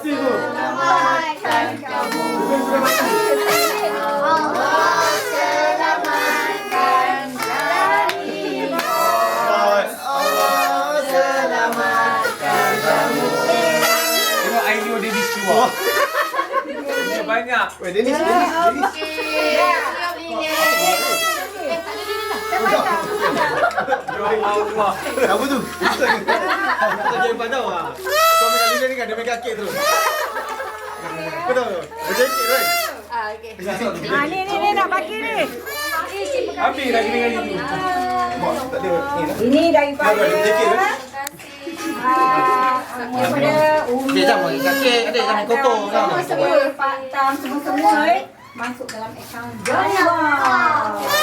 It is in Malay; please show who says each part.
Speaker 1: kasih Bu.
Speaker 2: Selamatkan kamu. Allah selamatkan dari maut. Allah selamatkan kamu.
Speaker 3: Tengok Ainu dia keluar. Dia banyak.
Speaker 1: Weh, Dennis.
Speaker 3: Ya Allah.
Speaker 1: Apa tu? Tak jadi padau ah. Kau main kali ni kan dia main kaki terus. Kau tahu? Dia kaki tu kan?
Speaker 4: Ni nak bagi ni.
Speaker 3: Habis lagi dengan itu.
Speaker 1: Tak ada.
Speaker 4: Ini daripada
Speaker 1: Dia kaki tu.
Speaker 4: daripada Umi.
Speaker 5: Dia sama kaki ada sama kotor kan.
Speaker 4: Semua Pak Tam semua masuk dalam akaun Jaya.